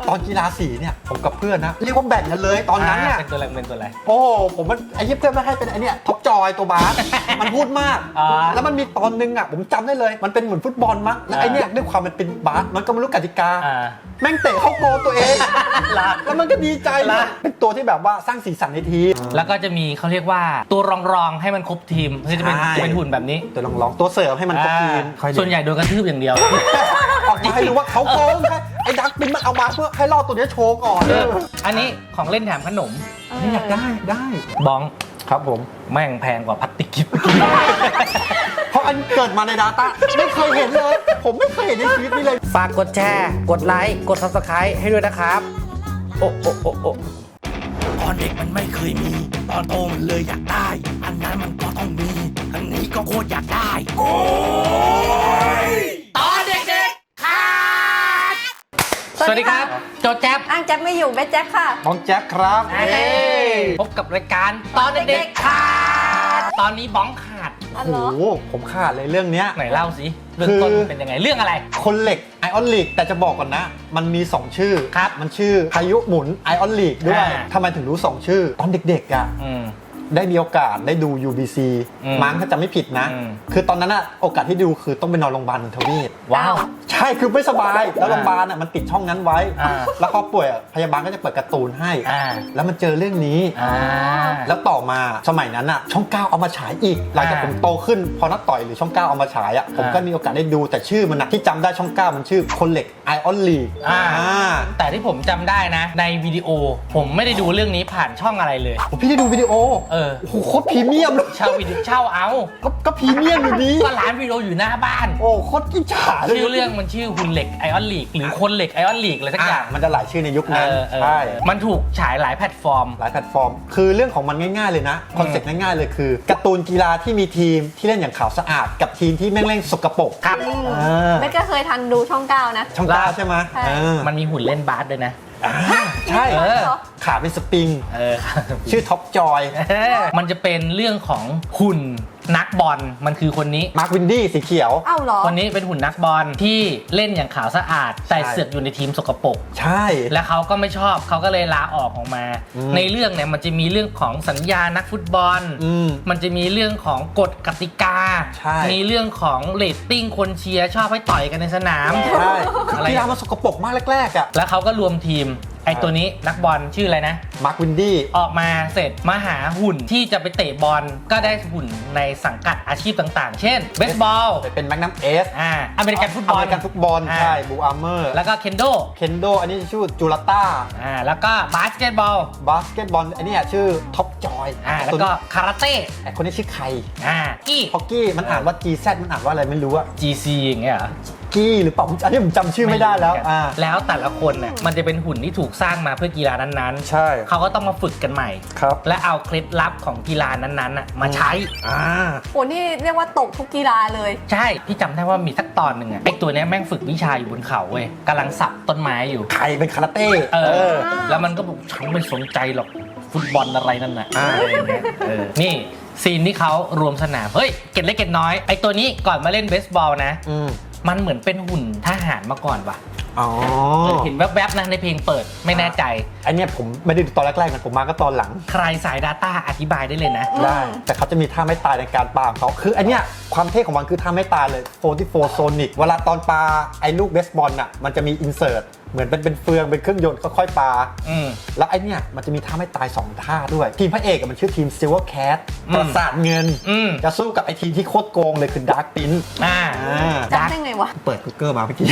ตอนกีฬาสีเนี่ยผมกับเพื่อนนะเรียกว่าแบ่งกันเลยตอนนั้นเนี่ยเป็นตัวอะไรโอ้ผมมันไอ้เพื่อนไม่ให้เป็นไอ้เนี่ยท็อปจอยตัวบาส มันพูดมาก แล้วมันมีตอนนึงอ่ะผมจำได้เลยมันเป็นเหมือนฟุตบอลมั้งแล้วไอ้เนี่ยด้วยความมันเป็นบาสมันก็ไม่รู้กติกาแม่งเตะเข้าโกลตัวเองแล้วมันก็ดีใจเป็นตัวที่แบบว่าสร้างสีสันในทีมแล้วก็จะมีเขาเรียกว่าตัวรองให้มันครบทีมคือจะเป็นหุ่นแบบนี้ตัวลองตัวเสิร์ฟให้มันครบทีมส่วนใหญ่โดนกระทืบอย่างเดียวออกมาให้รู้ว่าเขาโกงไอ้ดักปินมันเอามาเพื่อให้รอดตัวนี้โชว์ก่อนอันนี้ของเล่นแถมขนมนี่อยากได้บ้องครับผมแม่งแพงกว่าพลาสติกกิฟต์เพราะอันเกิดมาใน Data ไม่เคยเห็นเลย ผมไม่เคยเห็นในชีวิตนี้เลยฝากกดแชร์กดไลค์กด Subscribe ให้ด้วยนะครับโอ้ตอนเด็กมันไม่เคยมี ตอนโตมันเลยอยากได้ อันนั้นมันก็ต้องมี อันนี้ก็โคตรอยากได้ โอ้ยตอนเด็กๆค่ะสวัสดีครับโจแจ๊บอ้างแจ๊บไม่อยู่แม่แจ๊บค่ะน้องแจ็คครับพบกับรายการตอนเด็กๆขาดตอนนี้บ้องขาดอ๋อโอ้เหรอโหผมขาดเลยเรื่องเนี้ยไหนเล่าสิเรื่องต้นเป็นยังไงเรื่องอะไรคนเหล็กไอออนลีกแต่จะบอกก่อนนะ มันมี 2 ชื่อครับมันชื่อพายุหมุนไอออนลีกด้วยอ่าทำไมถึงรู้ 2 ชื่อ ตอนเด็กๆอ่ะได้มีโอกาสได้ดู UBC มั้งถ้าจำไม่ผิดนะ คือตอนนั้นอะโอกาสที่ดูคือต้องไปนอนโรงพยาบาลทวีตว้าวใช่คือไม่สบายแล้วโรงพยาบาลอะมันติดช่องนั้นไว้ แล้วพอป่วยอะพยาบาลก็จะเปิดการ์ตูนให้ แล้วมันเจอเรื่องนี้ แล้วต่อมาสมัยนั้นอะช่อง 9 เอามาฉายอีกหลังจากผมโตขึ้นพอนักต่อยหรือช่อง 9 เอามาฉายอะผมก็มีโอกาสได้ดูแต่ชื่อมันอะที่จำได้ช่อง 9 มันชื่อคนเหล็กไอออนลีกแต่ที่ผมจำได้นะในวิดีโอผมไม่ได้ดูเรื่องนี้ผ่านช่องอะไรเลยพี่ได้ดูวิดีโอโอ้โหโคตรพรีเมียมเลยเช่าวิดีโอเช่าเอาก็พรีเมียมอยู่ดีก็ร้านวิดีโออยู่หน้าบ้านโอ้โคตรกิจฉาเลยชื่อเรื่องมันชื่อหุ่นเหล็กไอออนลีกหรือคนเหล็กไอออนลีกอะไรสักอย่างมันจะหลายชื่อในยุคนั้นใช่มันถูกฉายหลายแพลตฟอร์มหลายแพลตฟอร์ม คือเรื่องของมันง่ายๆเลยนะคอนเซ็ปต์ง่ายๆเลยคือการ์ตูนกีฬาที่มีทีมที่เล่นอย่างขาวสะอาดกับทีมที่แม่งเล่นสกปรกครับแม่ก็เคยทันดูช่อง 9 นะช่อง9ใช่ไหมใช่มันมีหุ่นเล่นบาสด้วยนะใช่ขาเป็นสปริงชื่อท็อปจอยมันจะเป็นเรื่องของหุ่นนักบอลมันคือคนนี้มาร์ควินดี้สีเขียวอ้าวเหรอคนนี้เป็นหุ่นนักบอลที่เล่นอย่างขาวสะอาดแต่ใช่เสือกอยู่ในทีมสกปรกใช่และเขาก็ไม่ชอบเขาก็เลยลาออกมา ในเรื่องเนี่ยมันจะมีเรื่องของสัญญานักฟุตบอล มันจะมีเรื่องของกฎกติกาใช่มีเรื่องของเรตติ้งคนเชียร์ชอบให้ต่อยกันในสนามใช่คือกีฬามันสกปรกมากแรกๆอ่ะแล้วเขาก็รวมทีมไอ้ตัวนี้นักบอลชื่ออะไรนะมาร์ควินดี้ออกมาเสร็จมาหาหุ่นที่จะไปเตะบอลก็ได้หุ่นในสังกัดอาชีพต่างๆ เช่นเบสบอลเป็นแมกนัมเอสอเมริกันฟุตบอลอเมริกันฟุตบอลใช่บูอาร์เมอร์แล้วก็เคนโดเคนโดอันนี้ชื่อจูราต้าแล้วก็บาสเกตบอลบาสเกตบอลอันนี้ชื่อท็อปจอยแล้วก็คาราเต้ไอคนนี้ชื่อใครกี้ฮอกกี้มันอ่านว่า GZ มันอ่านว่าอะไรไม่รู้อะ GC อย่างเงี้ยเหรอกี้หรือเปล่าอันนี้ผมจำชื่อไม่ได้แล้วแล้วแต่ละคนเนี่ยมันจะเป็นหุ่นที่ถูกสร้างมาเพื่อกีฬานั้นๆใช่เขาก็ต้องมาฝึกกันใหม่ครับและเอาเคล็ดลับของกีฬานั้นๆมาใช้โอ้นี่เรียกว่าตกทุกกีฬาเลยใช่พี่จำได้ว่ามีสักตอนหนึ่งอะไอตัวเนี้ยแม่งฝึกวิชาอยู่บนเขาเว้ยกำลังสับต้นไม้อยู่ใครเป็นคาราเต้แล้วมันก็บอกฉันไม่สนใจหรอกฟุตบอลอะไรนั่นน่ะอะไรอย่างเงี้ยนี่ซีนที่เขารวมสนามเฮ้ยเก็ดเล็กเก็ดน้อยไอตัวนี้ก่อนมาเล่นเบสบอลนะมันเหมือนเป็นหุ่นทหารมาก่อนว่ะเห็นแวบๆนะในเพลงเปิดไม่แน่ใจอันนี้ผมไม่ได้ดูตอนแรกๆนะผมมาก็ตอนหลังใครสาย Data อธิบายได้เลยนะได้แต่เขาจะมีท่าไม่ตายในการปาของเขาคืออันเนี้ยความเท่ของมันคือท่าไม่ตายเลย44โซนิกเวลาตอนปาไอ้ลูกเบสบอลน่ะมันจะมีอินเสิร์ตเหมือนเป็นเฟืองเป็นเครื่องยนต์ค่อยๆปาแล้วไอ้เนี่ยมันจะมีท่าไม่ตาย2ท่าด้วยทีมพระเอกมันชื่อทีม Silver Cat ปราสาทเงินจะสู้กับไอ้ทีมที่โคตรโกงเลยคือ Dark Prince จำได้ไงวะเปิด Google มาเมื่อกี้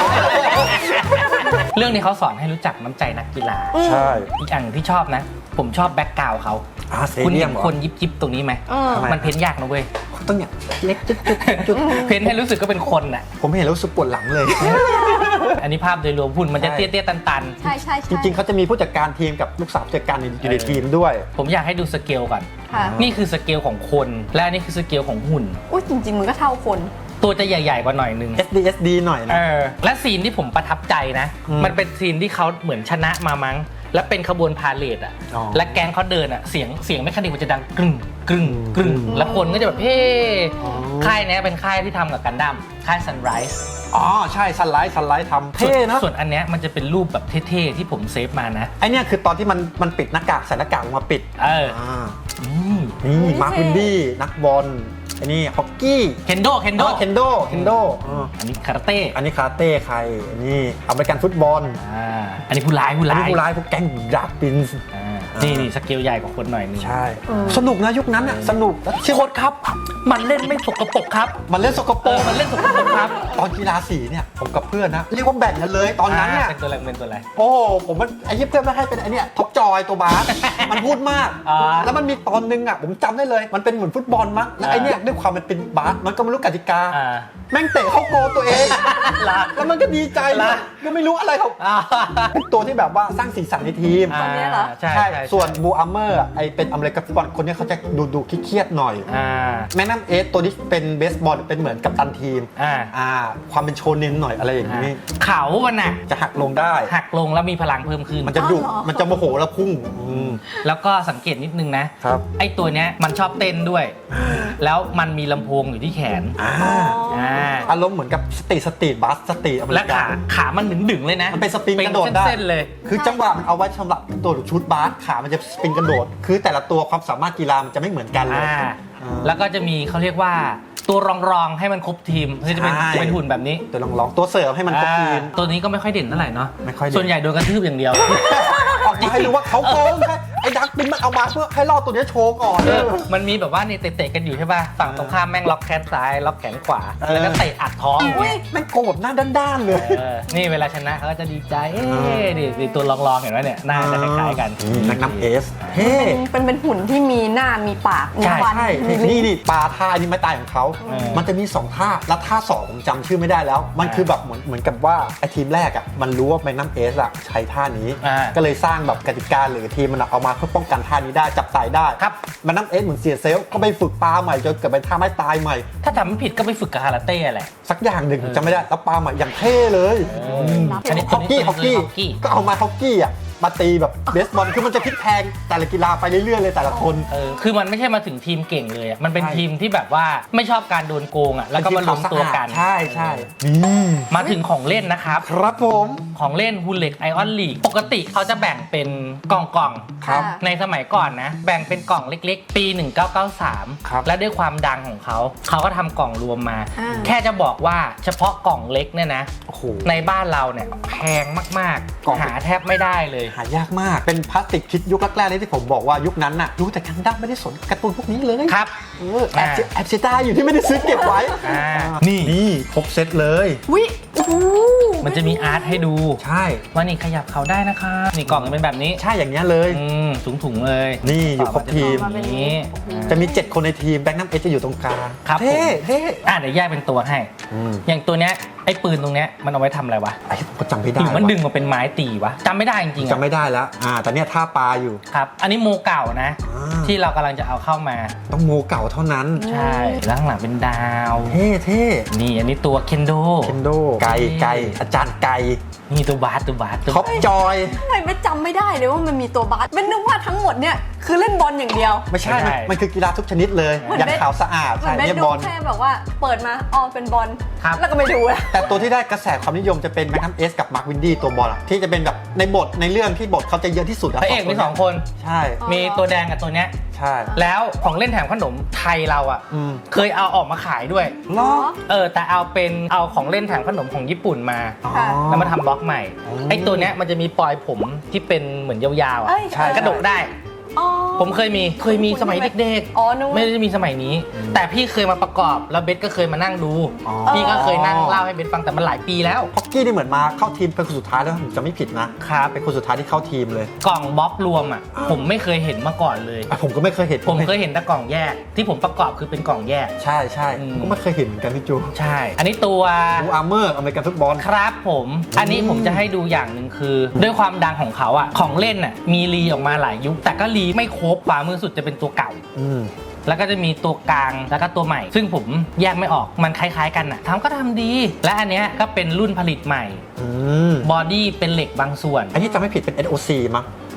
เรื่องนี้เขาสอนให้รู้จักน้ำใจนักกีฬาใช่อีกอย่างที่ชอบนะ ผมชอบแบ็กกราวด์เขาคุณเห็นคนยิบตรงนี้ไหมมันเพ้นยากนะเว้ยต้องเนี่ยเล็กจุดเพ้นให้รู้สึกก็เป็นคนน่ะผมเห็นแล้วรู้สึกปวดหลังเลยอันนี้ภาพโดยรวมหุ่นมันจะเตี้ยๆตันใช่ใช่จริงๆเขาจะมีผู้จัดการทีมกับลูกสาวผู้จัดการอยู่ในทีมด้วยๆผมอยากให้ดูสเกลก่อนค่ะนี่คือสเกลของคนและอันนี่คือสเกลของหุ่นอุ้ยจริงๆมันก็เท่าคนตัวจะใหญ่ๆกว่าหน่อยนึง SD หน่อยนะและซีนที่ผมประทับใจนะ มันเป็นซีนที่เขาเหมือนชนะมามั้ง แล้วเป็นขบวนพาเลทอ่ะ และแก๊งเขาเดินอ่ะ เสียงแมคานิกมันจะดังกรึ่งกรึ่งกรึ่งแล้วคนก็จะแบบเฮ้ค่ายนี้เป็นค่ายที่ทำกับกันดั้มค่าย Sunrise อ๋อใช่ซันไลท์ทำเท่นะส่วนอันเนี้ยมันจะเป็นรูปแบบเท่ๆที่ผมเซฟมานะไอเนี่ยคือตอนที่มันปิดหน้ากากใส่หน้ากากมาปิดอืมนี่มาร์ควินดี้นักบอลไอ้นี่ฮอกกี้เคนโดเคนโดอันนี้คาราเต้อันนี้คาราเต้ใครอันนี้อเมริกันฟุตบอลอันนี้ผู้ร้ายอันนี้ผู้ร้ายพวกแก๊งดาร์กปินส์นี่สเกลใหญ่กว่าคนหน่อยนึงใช่สนุกนะยุคนั้นอ่ะสนุกแล้วชื่อโค้ดครับ มันเล่นไม่สกปรกครับมันเล่นสกปรกมันเล่นสกปรกครับตอนกีฬาสีเนี่ยผมกับเพื่อนนะเรียกว่าแบ่งกันเลยตอนนั้นเนี่ยเป็นตัวอะไรโอ้ผมมันไอ้เพื่อนไม่ให้เป็นไอ้เนี่ยท็อปจอยตัวบาส มันพูดมาก แล้วมันมีตอนนึงอ่ะผมจำได้เลยมันเป็นเหมือนฟุตบอลมั้งแล้วไอ้เนี่ยด้วยความมันเป็นบาสมันก็ไม่รู้กติกาแม่งเตะเข้าโกลตัวเอง แล้วมันก็ดีใจเลยก็ไม่รู้อะไรเขาเป็นตัวที่แบบว่าสร้างสีสันในทีมคนนี้เหรอใช่ส่วนบูอัมเมอร์ไอเป็นอเมริกันฟุตบอลคนนี้เขาจะดูเครียดๆหน่อยแม่น้ำเอสตัวนี้เป็นเบสบอลเป็นเหมือนกัปตันทีมความเป็นโชเน้นหน่อยอะไรอย่างนี้เขามันน่ะจะหักลงได้หักลงแล้วมีพลังเพิ่มขึ้นมันจะดุมันจะโมโหแล้วพุ่งแล้วก็สังเกตนิดนึงนะครับ ไอ้ตัวเนี้ยมันชอบเต้นด้วย แล้วมันมีลำโพงอยู่ที่แขนอารมณ์เหมือนกับสตรีทบัสสตรีทอเมและริกันขามันดึงๆเลยนะมันเป็นสปริงกระโดดได้เส้นๆเลยคือจังหวะมันเอาไว้สำหรับตัวชุดบาสขามันจะสปริงกระโดด คือแต่ละตัวความสามารถกีฬามันจะไม่เหมือนกันเลยแล้วก็จะมีเขาเรียกว่าตัวรองๆให้มันครบทีมคือจะเป็นหุ่นแบบนี้ตัวลองตัวเสิร์ฟให้มันครบทีมตัวนี้ก็ไม่ค่อยเด่นเท่าไหร่เนาะไม่ค่อยเด่นส่วนใหญ่โดนกระทืบอย่างเดียวออกมาให้รู้ว่าเขาโกงไอ้ดักบินมันเอามาเพื่อให้รอดตัวนี้โชว์ก่อนมันมีแบบว่านี่เตะๆกันอยู่ใช่ป่ะฝั่งตรงข้ามแม่งล็อกแขนซ้ายล็อกแขนขวาแล้วก็เตะอัดท้องอุ้ยแม่งโกงแบบหน้าด้านๆเลยนี่เวลาชนะเขาก็จะดีใจดิตัวรองๆเห็นไหมเนี่ยหน้าจะคล้ายๆกันนักน้ำเอสเฮ้เป็นหุ่นที่มีหน้ามีปากมีฟันใช่นี่ปลาท่านี่ไม่ตายของเขา มันจะมี2ท่าแล้วท่า2ผมจำชื่อไม่ได้แล้ว มันคือแบบเหมือนกับว่าไอ้ทีมแรกอ่ะมันรู้ว่าแมกนัมเอสอ่ะใช้ท่านี้ก็เลยสร้างแบบกติกาหรือทีมมันเอามาเพื่อป้องกันท่านี้ได้จับตายได้ครับแมกนัมเอสเหมือนเสียเซลล์ก็ไปฝึกปลาใหม่จนเกิดเป็นท่าไม้ตายใหม่ถ้าจำไม่ผิดก็ไปฝึกกับคาราเต้แหละสักอย่างหนึ่งจำไม่ได้แล้วปลาใหม่อย่างเท่เลยฮอกกี้ก็เอามาฮอกกี้อ่ะมาตีแบบเบสบอลคือมันจะพลิกแพลงแต่ละกีฬาไปเรื่อยๆเลยแต่ละคนคือมันไม่ใช่มาถึงทีมเก่งเลยมันเป็นทีมที่แบบว่าไม่ชอบการโดนโกงอ่ะแล้วก็มารวมตัวกันใช่นี่มาถึงของเล่นนะครับครับผมของเล่นฮูเล็กไอออนลีกปกติเขาจะแบ่งเป็นกล่องครับในสมัยก่อนนะแบ่งเป็นกล่องเล็กๆ ปี 1993 ครับและด้วยความดังของเขาก็ทำกล่องรวมมา แค่จะบอกว่าเฉพาะกล่องเล็กเนี่ยนะโอ้โหในบ้านเราเนี่ยแพงมากกล่องๆหาแทบไม่ได้เลยหายากมากเป็นพลาสติกคิดยุคแรกๆเลยที่ผมบอกว่ายุคนั้นน่ะรู้แต่กันดั้มไม่ได้สนการ์ตูนพวกนี้เลยครับแอบเสียดายอยู่ที่ไม่ได้ซื้อเก็บไว้ นี่ครบเซตเลยวิมันจะมีอาร์ตให้ดูใช่ว่านี่ขยับเขาได้นะคะนี่กล่องเป็นแบบนี้ใช่อย่างเงี้ยเลยถุงๆเลยนี่อยู่ครบทีมนี้จะมี 7 คนในทีมแบงค์น้ำเอจะอยู่ตรงกลางครับเท่เท่เดี๋ยวแยกเป็นตัวให้ อย่างตัวเนี้ยไอ้ปืนตรงเนี้ยมันเอาไว้ทำอะไรวะไอ้ผมก็จำไม่ได้หรือมันดึงมาเป็นไม้ตีวะจำไม่ได้จริงๆจำไม่ได้แล้วแต่เนี้ยท่าปลาอยู่ครับ อันนี้โมเก่านะ ที่เรากำลังจะเอาเข้ามาต้องโมเก่าเท่านั้นใช่แล้วข้างหลังเป็นดาวเท่เท่นี่อันนี้ตัวเคนโดเคนโดไก่อาจารย์ไก่นี่ตัวบาสท็อปจอยทำไมไม่จำไม่ได้เลยว่ามันมีตัวบาสเป็นนึกว่าทั้งหมดเนี่ยคือเล่นบอลอย่างเดียวไม่ใช่ มันคือกีฬาทุกชนิดเลยเหมือนอย่างขาวสะอาดเหมือนใช่เบสเนี่ยดูบอลแค่แบบว่าเปิดมาเป็นบอลครับแล้วก็ไม่ดูแล้วแต่ตัวที่ได้กระแสความนิยมจะเป็นแมคคัมเอสกับมาร์ควินดี้ตัวบอลอะที่จะเป็นแบบในบทในเรื่องที่บทเขาจะเยอะที่สุดพระเอกมี2 คนใช่มีตัวแดงกับตัวเนี้ยใช่แล้วของเล่นแถมขนมไทยเราอ่ะเคยเอาออกมาขายด้วยล้อแต่เอาของเล่นแถมขนมของญี่ปุ่นมาค่ะแล้วมาทำบล็อกใหม่ ไอ้ตัวเนี้ยมันจะมีปลอยผมที่เป็นเหมือนยาวๆอ่ะเอ้ยใช่กระดกได้อ๋อผมเคยมีสมัยเด็กอ๋อนึกๆว่าไม่ได้มีสมัยนี้ แต่พี่เคยมาประกอบแล้วเบสก็เคยมานั่งดู พี่ก็เคยนั่งเล่าให้เบสฟังแต่มันหลายปีแล้วฮอกกี้นี่เหมือนมาเข้าทีมเป็นคนสุดท้ายแล้วผมจะไม่ผิดนะครับเป็นคนสุดท้ายที่เข้าทีมเลยกล่องบล็อกรวมอ่ะผมไม่เคยเห็นมาก่อนเลยผมก็ไม่เคยเห็นผมเคยเห็นแต่กล่องแยก ที่ผมประกอบคือเป็นกล่องแยกใช่ผมก็ไม่เคยเห็นเหมือนกันพี่จูใช่ อันนี้ตัวบูอาร์เมอร์อเมริกันฟุตบอลครับผม อันนี้ผมจะให้ดูอย่างหนึ่งคือ ด้วยความดังของเขาอ่ะของเล่นอ่ะมีรีออกมาหลายยุคแต่ก็รีไม่ครบขวามือสุดจะเป็นตัวเก่า แล้วก็จะมีตัวกลางแล้วก็ตัวใหม่ ซึ่งผมแยกไม่ออกมันคล้ายๆกันอ่ะก็ทำดี และอันเนี้ยก็เป็นรุ่นผลิตใหม่บอดี้เป็นเหล็กบางส่วนอันนี้จำไม่ผิดเป็น SOC มั้ง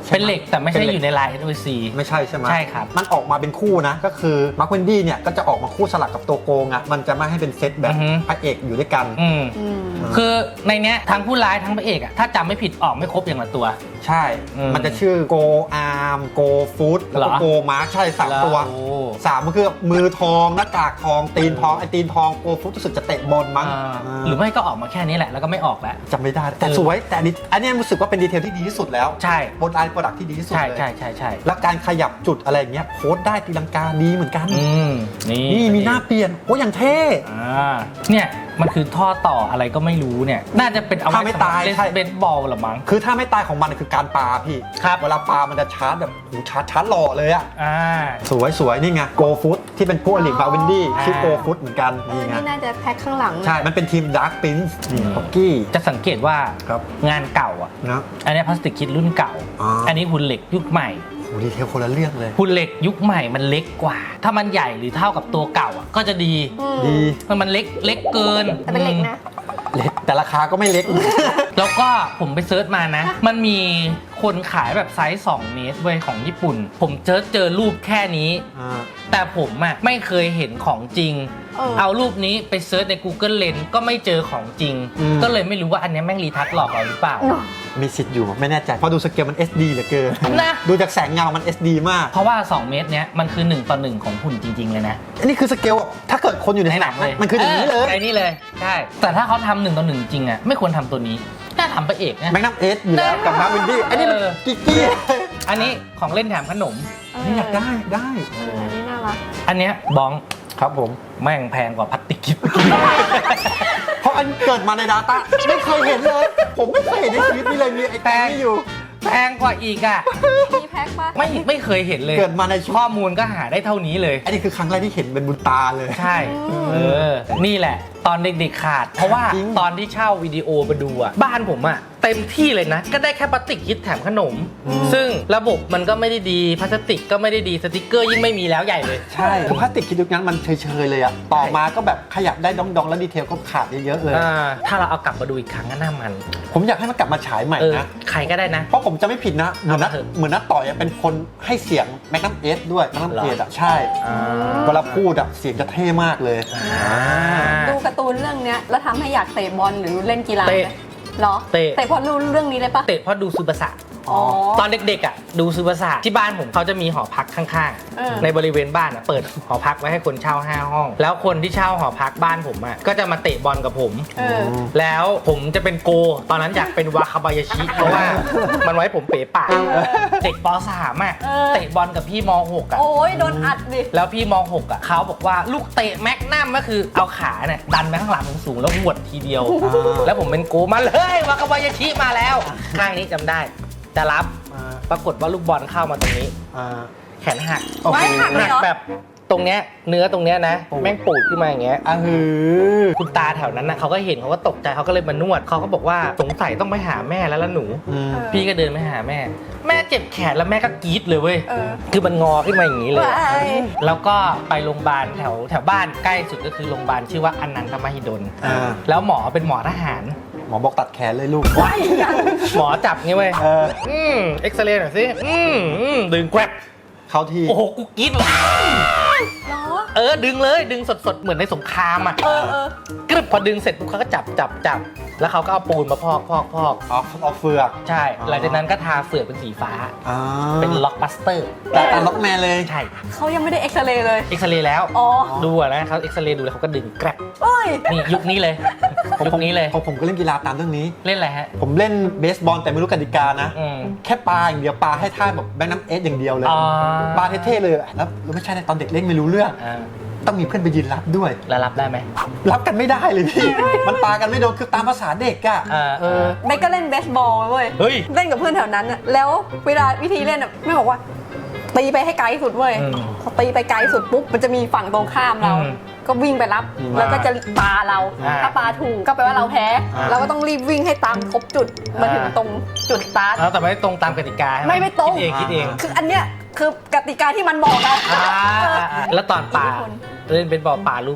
เป็นเหล็กแต่ไม่ใช่อยู่ในลาย NOC ไม่ใช่ใช่ไหมใช่ครับมันออกมาเป็นคู่นะก็คือมาร์คเวนดี้เนี่ยก็จะออกมาคู่สลับกับตัวโกงอ่ะมันจะไม่ให้เป็นเซตแบบพระเอกอยู่ด้วยกันคือในเนี้ยทั้งผู้ร้ายทั้งพระเอกอะถ้าจำไม่ผิดออกไม่ครบอย่างละตัวใช่ มันจะชื่อโกอาร์มโกฟูดแล้วก็เหรอโกมาร์คใช่3ตัวโอ้ 3มันคือมือทองหน้ากากทองตีนทองไอตีนทองโกฟูดรู้สึกจะเตะบอลมั้งหรือไม่ก็ออกมาแค่นี้แหละแล้วก็ไม่ออกแล้วจำไม่ได้แต่สวยแต่อันนี้รู้สึกว่าเป็นดีเทลที่ดีที่สุดแล้วใช่บนไลน์โปรดักที่ดีที่สุดใช่เลยใช่ใช่ใช่แล้วการขยับจุดอะไรอย่างเงี้ยโค้ดได้ตีลังกาดีเหมือนกันนี่นี่มีหน้าเปลี่ยนโอ้อย่างเท่เนี่ยมันคือท่อต่ออะไรก็ไม่รู้เนี่ยน่าจะเป็นเอาถ้าไม่ตายเล่นใช่เบสบอลหรอมั้งคือถ้าไม่ตายของมันคือการปาพี่ครับเวลาปามันจะชาร์จแบบโหชาร์จหล่อเลยอะอ่าสวยนี่ไงโกฟุตที่เป็นพวกอลิกบาวินดี้อ่าชื่อโกฟุตเหมือนกันนี่ไงนี่น่าจะแพ็คข้างหลังใช่ มันเป็นทีมดาร์ p พินส์นี่พ็อกกี้จะสังเกตว่าครับงานเก่าอ่ะนะอันนี้พลาสติกคิดรุ่นเก่าอ๋ออัอันนี้หุ่นเหล็กยุคใหม่โหดีเทลคนละเรื่องเลยหุ่นเหล็กยุคใหม่มันเล็กกว่า ถ้ามันใหญ่หรือเท่ากับตัวเก่าอ่ะก็จะดีดีมันเล็กเกินแต่เป็นเหล็กนะเล็กแต่ราคาก็ไม่เล็กแล้วก็ผมไปเซิร์ชมานะ มันมีคนขายแบบไซส์2เมตรเว้ยของญี่ปุ่น ผมเจอรูปแค่นี้ แต่ผมอ่ะไม่เคยเห็นของจริง เอารูปนี้ไปเซิร์ชใน Google Lens ก็ไม่เจอของจริง ก็เลยไม่รู้ว่าอันเนี้ยแม่งรีทัชหลอกเราหรือเปล่ามีสิทธิ์อยู่ไม่แน่ใจเพราะดูสเกลมัน SD เหลือเกินนะดูจากแสงเงามัน SD มากเพราะว่า 2 เมตรเนี้ยมันคือ1 ต่อ 1ของหุ่นจริง ๆ เลยนะอันนี้คือสเกลอะถ้าเกิดคนอยู่ในในหหนันังงเลยมันคืออย่างนี้เลยไอ้นี่เลย ใช่ แต่ถ้าเขาทำ1 ต่อ 1 จริงอ่ะไม่ควรทำตัวนี้ น่าทำพระเอกนะแมกนัมเอสอยู่แล้วกับมาร์วินดี้อันนี้มันกิ๊กกี้อันนี้ของเล่นแถมขนมนี่อยากได้อันนี้น่ารักอันเนี้ยบ้องครับผมแม่งแพงกว่าพลาสติกคิดเพราะอันเกิดมาใน Data ไม่เคยเห็นเลย ผมไม่เคยเห็นในชีวิตนี้เลยมีไอ้แตงนี่อยู่แพงกว่าอีกอ่ะมีแพ็คปะไม่เคยเห็นเลยเกิดมาในชีวิตข้อมูลก็หาได้เท่านี้เลยอันนี้คือครั้งแรกที่เห็นเป็นบุญตาเลยใช่ นี่แหละ ตอนเด็กๆขาด เพราะว่าจริงตอนที่เช่าวิดีโอมาดูอ่ะ บ้านผมอ่ะ เต็มที่เลยนะ ก็ได้แค่พลาสติกคิดแถมขนม ซึ่งระบบมันก็ไม่ได้ดี พลาสติกก็ไม่ได้ดี สติกเกอร์ยิ่งไม่มีแล้วใหญ่เลยใช่พลาสติกคิดยุคนั้นมันเฉยๆเลยอะต่อมาก็แบบขยับได้ดองๆ แล้วดีเทลก็ขาดเยอะๆเลยถ้าเราเอากลับมาดูอีกครั้งก็น่ามันผมอยากให้มันกลับมาฉายใหม่นะใครก็ได้นะเพราะผมจะไม่ผิดนะ เหมือนนัเอามาเถอะเหมือนนัต่อยอะเป็นคนให้เสียงแมกนัมเอสด้วยแมกนัมเหรอเอสอะใช่เวลาพูดอะเสียงจะเท่มากเลยดูการ์ตูนเรื่องเนี้ยแล้วทำให้อยากเตะบอลหรือเล่นกีฬาไหมเตะเหรอเตะเพราะรู้เรื่องนี้เลยปะเตะเพราะดูซูบาสะอ๋อตอนเด็กๆอ่ะดูซูบาสะที่บ้านผมเขาจะมีหอพักข้างเออๆ ในบริเวณบ้านอ่ะเปิดหอพักไว้ให้คนเช่า5 ห้อง แล้วคนที่เช่าหอพักบ้านผมอ่ะก็จะมาเตะบอลกับผมเออแล้วผมจะเป็นโก ตอนนั้นอยากเป็นวาคาบายาชิ เพราะว่ามันไว้ผมเป๋ปากเด็กป .3 อ่ะเออเตะบอลกับพี่ม .6 อ่ะโอ้ยโดนอัดดิแล้วพี่ม .6 อ่ะเขาบอกว่าลูกเตะแม็กนัมก็คือเอาขาเนี่ยดันไปข้างหลังสูงๆแล้วหวดทีเดียว แล้วผมเป็นโกมาเลยวาคาบายาชิมาแล้วข้างนี้จำได้จะรับปรากฏว่าลูกบอลเข้ามาตรงนี้ แขนหักโอ้โหไว้หักเลยเหรอแบบตรงเนี้ยเนื้อตรงเนี้ยนะ แม่งปูดขึ้นมาอย่างเงี้ย คุณตาแถวนั้นนะเขาก็เห็นเขาก็ตกใจเขาก็เลยมานวดเขาก็บอกว่าสงสัยต้องไปหาแม่แล้วล่ะหนู พี่ก็เดินไปหาแม่ แม่เจ็บแขนแล้วแม่ก็กรี๊ดเลยเว้ยเออคือมันงอขึ้นมาอย่างนี้เลยว้ายแล้วก็ไปโรงพยาบาลแถวบ้านใกล้สุดก็คือโรงพยาบาลชื่อว่าอนันตมหิดล แล้วหมอเป็นหมอทหารหมอบอกตัดแขนเลยลูกหมอจับงี้เว้ยเออเอ็กซเรย์หน่อยสิดึงแกวบเข้าที่โอ้โหกูกรี๊ดเลยเหรอดึงเลยดึงสดๆเหมือนในสงครามอ่ะเออกรึบพอดึงเสร็จปุ๊บเขาก็จับแล้วเขาก็เอาปูนมาพอกเอาเฟือกใช่ หลังจากนั้นก็ทาเฟือกเป็นสีฟ้า เป็นล็อกบัสเตอร์แต่ล็อกแมนเลยใช่เขายังไม่ได้เอ็กซเรย์เลยเอ็กซเรย์แล้วอ๋อดูอะนะเขาเอ็กซเรย์ดูแล้วเขาก็ดึงแกรบเอ้ยนี่ยุคนี้เลยยุคนี้เลยผมก็เล่นกีฬาตามเรื่องนี้เล่นอะไรฮะผมเล่นเบสบอลแต่ไม่รู้กติกานะอืมแค่ปาอย่างเดียวปาให้ท่าแบบแบงค์น้ำเอสอย่างเดียวเลยอ๋อปาเท่ๆเลยแล้วไม่ใช่นะตอนเด็กเล่นไม่รู้เรื่องอ่าต้องมีเพื่อนไปยืนรับด้วยแล้วรับได้ไหมรับกันไม่ได้เลยพี่ มันปากันไม่โดนคือตามภาษาเด็กอะเบสก็เล่นเบสบอลเว้ยเฮ้ยเล่นกับเพื่อนแถวนั้นอะแล้วเวลาวิธีเล่นอะแม่บอกว่าตีไปให้ไกลสุดเว้ยอืมพอตีไปไกลสุดปุ๊บมันจะมีฝั่งตรงข้ามเราอืมก็วิ่งไปรับ แล้วก็จะปาเราอ่าถ้าปาถูกก็แปลว่าเราแพ้ เราก็ต้องรีบวิ่งให้ตามครบจุดมาถึงตรงจุดสตาร์ทแล้วแต่ไม่ตรงตามกติกาใช่ไหมไม่ตรงคิดเองคืออันเนี้ยคือกติกาที่มันบอกอะแล้วตอนปาอิทธิพลเล่นเป็นบอลปาลูกอะไร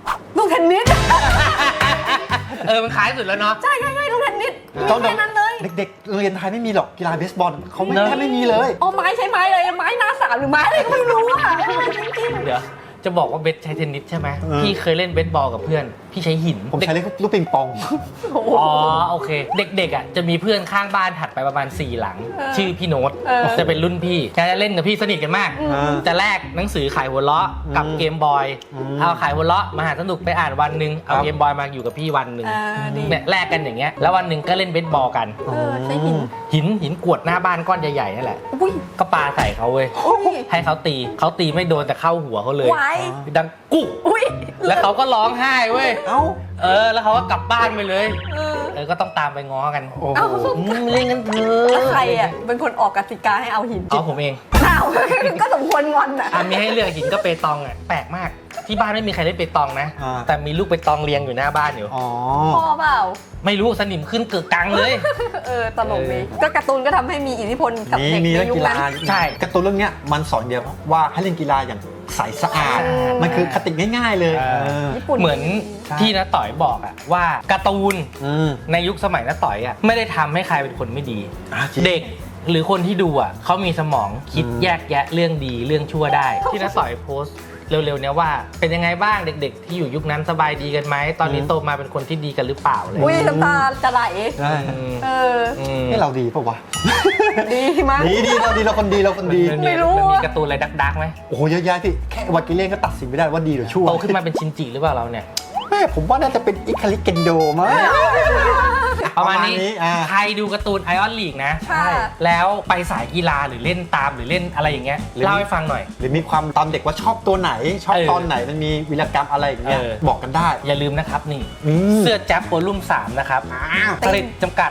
ลูกเทนนิสมันคล้ายสุดแล้วเนาะใช่ลูกเทนนิสมีตอนแค่นั้นเลยเด็กๆโรงเรียนไทยไม่มีหรอกกีฬาเบสบอลเขาไม่เนอะแทบไม่มีเลยโอ้ไม้ใช้ไม้เลยไม้หน้าสามหรือไม้อะไรก็ไม่รู้อ่ะจริงเดี๋ยวจะบอกว่าเบสใช้เทนนิสใช่ไหมเออพี่เคยเล่นเบสบอลกับเพื่อน พี่ใช้หินผมใช้เล่นลูกปิงปองๆโอ้โหอ๋อโอเค เด็กๆอ่ะจะมีเพื่อนข้างบ้านถัดไปประมาณ 4 หลัง ชื่อพี่โน้ต จะเป็นรุ่นพี่แกจะเล่นกับพี่สนิทกันมาก จะแลกหนังสือขายหัวเราะกับเกมบอย เอาขายหัวเราะมาหาสนุกไปอ่านวันหนึ่งเอาเกมบอยมาอยู่กับพี่วันหนึ่งดีเนี่ยแลกกันอย่างเงี้ยแล้ววันหนึ่งก็เล่นเบสบอลกันใช้หินหินกวดหน้าบ้านก้อนใหญ่ๆนั่นแหละอุ้ยก็ปาใส่เขาเว้ยอุ้ยให้เขาตีไม่โดนแต่เข้าหัวเขาเลยไว้ดังกุ๊กอุ้ยแล้วเขาก็ร้องไห้เว้ยเอ้าแล้วเขาก็กลับบ้านไปเลยเออก็ต้องตามไปง้อกันโอ้เอ้าโหเล่นกันเถอะแล้วใครอ่ะเป็นคนออกกติกาให้เอาหินเอาผมเองอ้าว ก็สมควรงอนอ่ะมีให้เลือกหินก็เปตองอ่ะแปลกมากที่บ้านไม่มีใครเล่นเปตองนะ แต่มีลูกเปตองเรียงอยู่หน้าบ้านอยู่อ๋อพ่อเปล่าไม่รู้สนิมขึ้นเกิดกังเลยตลกดีก็การ์ตูนก็ทำให้มีอิทธิพลกับเด็กมีในเรื่องยุคกีฬานั้นใช่การ์ตูนเรื่องเนี้ยมันสอนเดียวว่าให้เล่นกีฬาอย่างใสสะอาด มันคือคติง่ายๆเลยญี่ปุ่นเหมือนใช่ที่น้าต่อยบอกอะว่าการ์ตูนอืมในยุคสมัยน้าต่อยอะไม่ได้ทำให้ใครเป็นคนไม่ดีจริงเด็กหรือคนที่ดูอ่ะเขามีสมองคิดแยกแยะเรื่องดีเรื่องชั่วได้ ที่น้าต่อยโพสต์เร็วๆเนี้ยว่าเป็นยังไงบ้างเด็กๆ ที่อยู่ยุคนั้นสบายดีกันไหมตอนนี้โตมาเป็นคนที่ดีกันหรือเปล่าเลยอุ้ยน้ำตาจะไหลใช่เออให้เราดีปะวะดีมากดีเราคนดีเราคนดีไม่รู้มันมีอะการ์ตูนอะไรดักๆไหมโอ้โหเยอะแยะพี่แค่วากิเล่นก็ตัดสินไม่ได้ว่าดีหรือชั่วโตขึ้นมาเป็นชินจิหรือเปล่าเราเนี่ยแม่ผมว่าน่าจะเป็นอิคาริเกนโดมั้งประมาณนี้อ่าใครดูการ์ตูนไอออนลีกนะค่ะแล้วไปสายกีฬาหรือเล่นตามหรือเล่นอะไรอย่างเงี้ยเล่าให้ฟังหน่อยหรือมีความตอนเด็กว่าชอบตัวไหน ชอบตอนไหนมันมีวีรกรรมอะไรอย่างเงี้ย บอกกันได้อย่าลืมนะครับนี่มเสื้อแจ๊บโวลุ่ม3นะครับ ผลิตจำกัด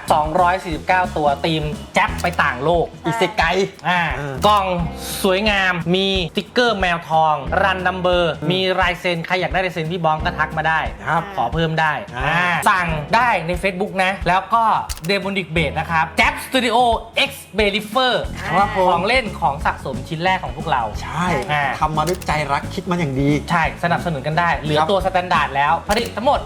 249 ตัวทีมแจ๊บไปต่างโลกอิเซไกกล่องสวยงาม มีสติ๊กเกอร์แมวทอง รันนัมเบอร์ มีลายเซ็น ใครอยากได้ลายเซ็นพี่บ้องก็ทักมาได้ครับขอเพิ่มได้ สั่งได้ใน Facebook นะ แล้วก็เดมอนิกเบดนะครับแจ๊บสตูดิโอ X b e l i f e r ครับผมของเล่นของสะสมชิ้นแรกของพวกเราใช่อ่าทำมาด้วยใจรักคิดมาอย่างดีใช่ สนับสนุนกันได้ เหลือครับตัวสแตนดาร์ดแล้ว ผลิตทั้งหมด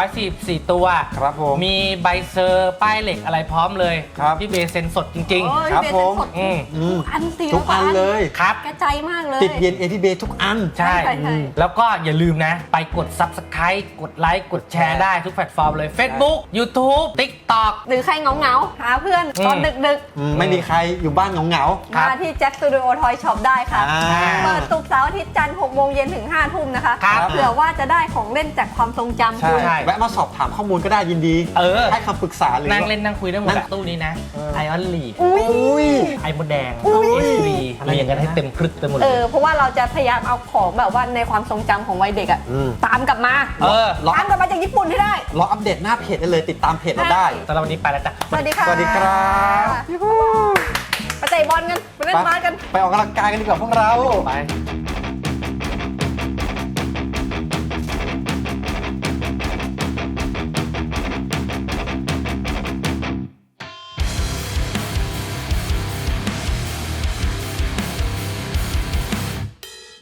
444 ตัวครับผมมีใบเซอร์ป้ายเหล็กอะไรพร้อมเลยครับพี่เบย์เซ็นสดจริงโอ้ยครับเบสผมสดอืมทุกอันสิทุกอันเลยๆ ครับแกใจมากเลยติดเย็นเอพีเบทุกอันใช่ใช่แล้วก็อย่าลืมนะ ไปกด Subscribe กดไลค์ กดแชร์ได้ทุกแพลตฟอร์มเลย Facebook YouTube TikTok หรือใครเหงาๆหาเพื่อนตอนดึกไม่มีใครอยู่บ้านเหงาๆ มาที่แจ็คสตูดิโอทอยช็อปได้ค่ะอ่าเปิดศุกร์เสาร์อาทิตย์จันทร์6โมงเย็นถึง5ทุ่มนะคะครับเผื่อว่าจะได้ของเล่นจากความทรงจำใช่คุณแวะมาสอบถามข้อมูลก็ได้ยินดี ให้คำปรึกษาหรือนั่งเล่นนั่งคุยได้หมดนั่อะงตู้นี้นะไอออนลีกอุ้ยอุ้ยไอมดแดงอุ้ย SV เรียงกันให้เต็มพรึกไปหมดเลยเพราะว่าเราจะพยายามเอาของแบบว่าในความทรงจำของวัยเด็กอะอืมตามกลับมารอตามกลับมาจากญี่ปุ่นให้ได้รออัปเดตหน้าเพจได้เลยติดตามเพจเราได้สำหรับวันนี้ไปแล้วจ้ะสวัสดีค่ะสวัสดีครับไปเตะบอลกัน ไปเล่นบาสกันไปออกกำลังกายกันดีกว่าพวกเราไป